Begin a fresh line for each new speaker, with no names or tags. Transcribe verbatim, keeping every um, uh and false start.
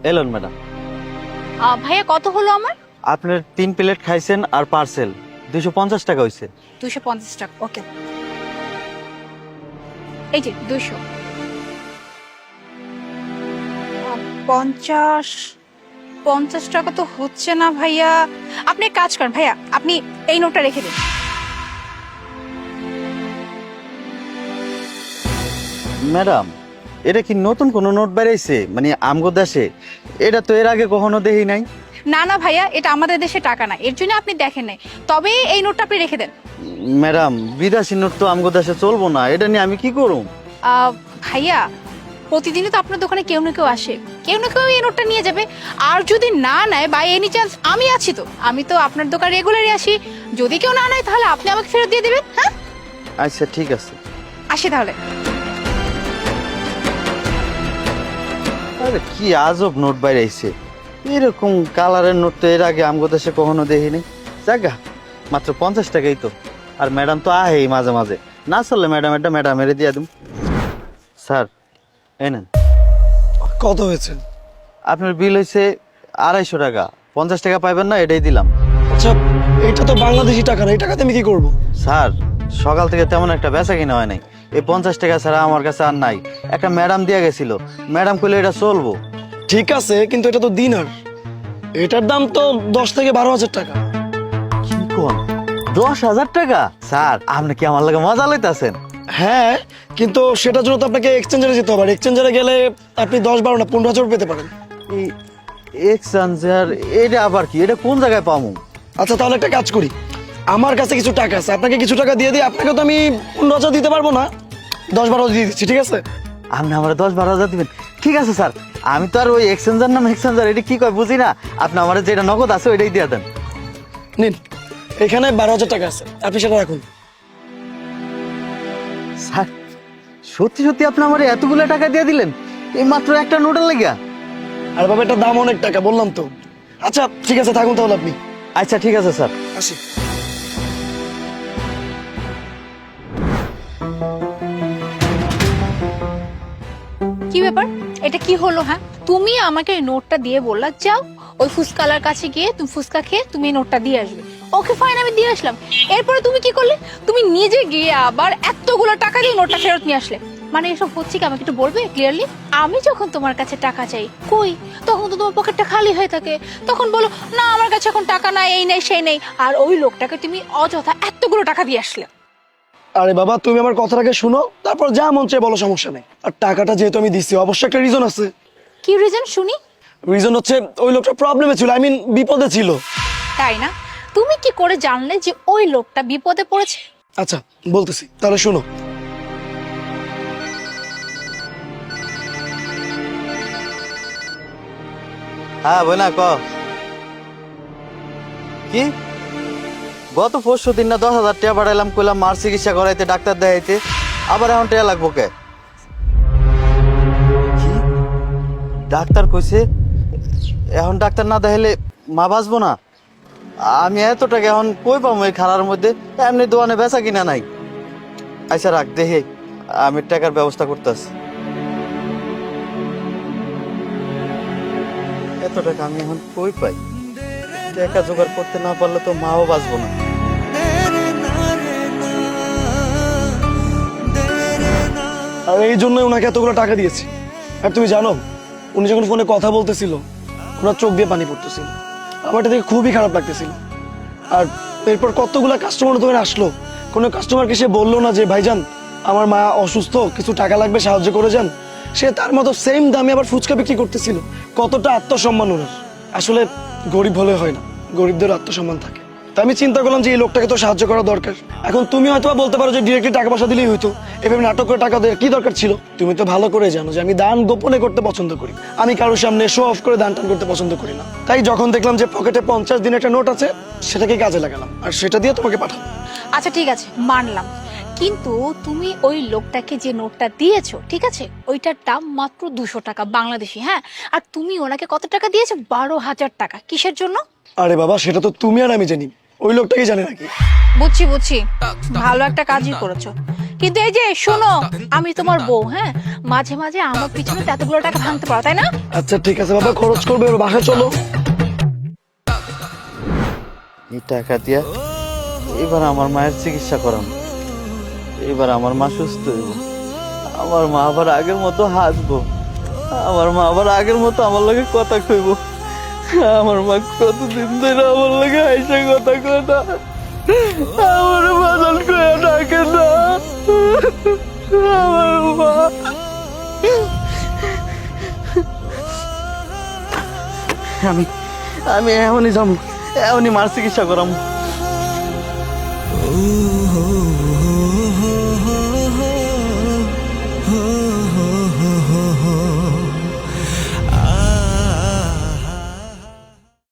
এলেন ম্যাডাম।
আহ, ভাইয়া কত হলো আমার?
আপনার তিন প্লেট খাইছেন আর পার্সেল দুইশো পঞ্চাশ টাকা হয়েছে।
দুশো পঞ্চাশ টাকা, ওকে। এই যে দুইশো পঞ্চাশ পঞ্চাশ টাকা তো হচ্ছে না ভাইয়া। আপনি এক কাজ করেন ভাইয়া, আপনি এই নোটটা রেখে দিন।
ম্যাডাম, এটা কি নতুন কোনো নোট বেরিয়েছে মানে আমগো দেশে? এটা তো এর আগে কখনো দেখি নাই।
না না ভাইয়া, এটা আমাদের দেশে টাকা না, এর জন্য আপনি দেখেন নাই। তবে এই নোটটা আপনি রেখে দেন।
ম্যাডাম, বিদেশি নোট তো আমগো দেশে চলবো না, এটা নিয়ে আমি কি করব?
আহ, ভাইয়া প্রতিদিনই তো আপনার দোকানে কেউ না কেউ আসে, কেউ না কেউ এই নোটটা নিয়ে যাবে। আর যদি না নেয় বা এনি চান্স, আমি আছি তো, আমি তো আপনার দোকান রেগুলারই আসি। যদি কেউ না নেয় তাহলে আপনি আমাকে ফেরত দিয়ে দেবেন। হ্যাঁ,
আচ্ছা ঠিক আছে।
আসি তাহলে।
আরে কি আজব নোট বেরিয়েছে, এরকম কালারের নোট তো এর আগে আমগো দেশে কখনো দেখিনি। জাগা, মাত্র পঞ্চাশ টাকাই তো। আর ম্যাডাম তো আহেই মাঝে মাঝে, না চললে ম্যাডাম এটা ম্যাডামের দিয়ে দিম। স্যার এই নেন।
কত হয়েছে?
আপনার বিল হয়েছে আড়াইশো টাকা। পঞ্চাশ টাকা পাইবেন না, এটাই দিলাম।
আচ্ছা, এটা তো বাংলাদেশি টাকা না, এই টাকাতে আমি কি করবো?
স্যার, সকাল থেকে তেমন একটা বেচা কিনা হয় নাই, এই পঞ্চাশ টাকা ছাড়া আমার কাছে আর নাই। একটা ম্যাডাম দিয়ে গেছিল, ম্যাডাম কইলে এটা চলবো।
ঠিক আছে, কিন্তু এটা তো দিনার, এটার দাম তো দশ থেকে বারো হাজার টাকা।
কি কোন? দশ হাজার টাকা? স্যার, আপনি কি আমার লাগে মজা লইতাছেন?
হ্যাঁ, কিন্তু সেটার জন্য তো আপনাকে এক্সচেঞ্জারে যেতে হবে, আর এক্সচেঞ্জারে গেলে আপনি দশ বারো না পনেরো হাজার পেতে পারেন।
এই এক্সচেঞ্জার, এটা আবার কি? এটা কোন জায়গায় পামু?
আচ্ছা তাহলে একটা কাজ করি, আমার কাছে কিছু টাকা আছে, আপনাকে কিছু টাকা দিয়ে দিই। আপনাকে তো আমি পনেরো হাজার দিতে পারবো না, দশ বারো দিয়ে দিচ্ছি, ঠিক আছে?
আপনি আমার দশ বারো হাজার দিবেন? ঠিক আছে স্যার, আমি তো আর ওই এক্সচেঞ্জার নাম এক্সচেঞ্জার এটা কি কয় বুঝি না। আপনি আমার যেটা নগদ আছে ওইটাই দিয়ে দেন।
নিন, এখানে বারো হাজার টাকা আছে, আপনি সেটা রাখুন।
স্যার, সত্যি সত্যি আপনি আমার এতগুলো টাকা দিয়ে দিলেন এই মাত্র একটা নোটের লেগা?
আর বাবা, এটার দাম অনেক টাকা, বললাম তো। আচ্ছা ঠিক আছে, থাকুন তাহলে আপনি।
আচ্ছা ঠিক আছে স্যার।
আসি।
কি ব্যাপার, এটা কি হলো? হ্যাঁ, তুমি আমাকে এই নোটটা দিয়ে বললা যাও ওই ফুচকালার কাছে গিয়ে তুমি ফুচকা খেয়ে তুমি এই নোটটা দিয়ে আসবে। ওকে ফাইন, আমি দিয়ে আসলাম। এরপরে তুমি কি করলে? তুমি নিজে গিয়ে আবার এতগুলো টাকা দিয়ে নোটটা ফেরত নিয়ে আসলে। মানে এসব হচ্ছে কি, আমাকে একটু বলবে ক্লিয়ারলি? আমি যখন তোমার কাছে টাকা চাই, কই তখন তো তোমার পকেটটা খালি হয়ে থাকে। তখন বলো না আমার কাছে এখন টাকা নাই, এই নেই সেই নেই। আর ওই লোকটাকে তুমি অযথা এতগুলো টাকা দিয়ে আসলে।
আরে বাবা, তুমি আমার কথাটাকে শুনো, তারপর যা মন চায় বলো, সমস্যা নেই। আর টাকাটা যেহেতু আমি দিচ্ছি, অবশ্যই একটা রিজন আছে।
কি রিজন শুনি?
রিজন হচ্ছে ওই লোকটা প্রবলেমে ছিল, আই মিন বিপদে ছিল।
তাই না? তুমি কি করে জানলে যে ওই লোকটা বিপদে পড়েছে?
আচ্ছা বলতেছি, তাহলে শুনো।
হ্যাঁ বইনা ক। কি গত পরশু দিন না দশ হাজার টাকা পাঠাইলাম, কইলাম মার চিকিৎসা করাইতে, ডাক্তার দেখাইতে, আবার এখন টাকা লাগবো কে? কি ডাক্তার কইছে এখন ডাক্তার না দেখাইলে মা বাঁচবো না? আমি এত টাকা এখন কই পাবো এই খারার মধ্যে? এমনি দোকানে বেচা কিনা নাই। আচ্ছা রাখ, দেখে আমি টাকার ব্যবস্থা করতেছি। এত টাকা আমি এখন কই পাই? টাকা জোগাড় করতে না পারলে তো মাও বাঁচবো না।
আর এই জন্য ওনাকে এতগুলো টাকা দিয়েছি। আর তুমি জানো, উনি যখন ফোনে কথা বলতেছিল ওনার চোখ দিয়ে পানি পড়তেছিল, আমার এটা দেখে খুবই খারাপ লাগতেছিল। আর এরপর কতগুলা কাস্টমার দোকানে আসলো, কোনো কাস্টমারকে সে বললো না যে ভাইজান আমার মা অসুস্থ, কিছু টাকা লাগবে, সাহায্য করে যান। সে তার মতো সেম দামে আবার ফুচকা বিক্রি করতেছিল। কতটা আত্মসম্মান ওনার! আসলে গরিব হলে হয় না, গরিবদের আত্মসম্মান থাকে। তা আমি চিন্তা করলাম যে এই লোকটাকে তো সাহায্য করা দরকার। এখন তুমি হয়তো বলতে পারো যে ডিরেক্টলি টাকা পয়সা দিলেই হইতো, এভাবে নাটক করে টাকা দেওয়ার কি দরকার ছিল? তুমি তো ভালো করে জানো যে আমি দান গোপনে করতে পছন্দ করি, আমি কারোর সামনে শো অফ করে দান টান করতে পছন্দ করি না। তাই যখন দেখলাম যে পকেটে পঞ্চাশ দিনের একটা নোট আছে, সেটাকে কাজে লাগালাম আর সেটা দিয়ে তোমাকে পাঠাবো।
আচ্ছা ঠিক আছে, মানলাম। কিন্তু তুমি ওই লোকটাকে যে নোটটা দিয়েছো, ঠিক আছে, ওইটার দাম মাত্র দুশো টাকা বাংলাদেশি। হ্যাঁ, আর তুমি ওনাকে কত টাকা দিয়েছো? বারো হাজার টাকা। কিসের জন্য?
আরে বাবা, সেটা তো তুমি আর আমি জানি। ওই লোকটাকে জানে নাকি?
বুঝছি বুঝছি, ভালো একটা কাজই করেছো। কিন্তু এই যে শোনো, আমি তোমার বউ, হ্যাঁ, মাঝে মাঝে আমার পিছনে তো এতগুলো টাকা ভাঙতে পারো, তাই না?
আচ্ছা ঠিক আছে বাবা, খরচ করবে, এবার বাসা চলো।
এই টাকা দিয়া এবার আমার মায়ের চিকিৎসা করাম, এবার আমার মা সুস্থ হইব, আমার মা আবার আগের মতো হাসবো, আমার মা আবার আগের মতো আমার লগে কথা কইব। আমার মা কতদিন ধরে আমার লগে হাইসে কথা কয় না, আমার বাদল কয়ে ডাকে না, আমার মা। আমি আমি এমনই যাবো, এমনই মার চিকিৎসা করাম।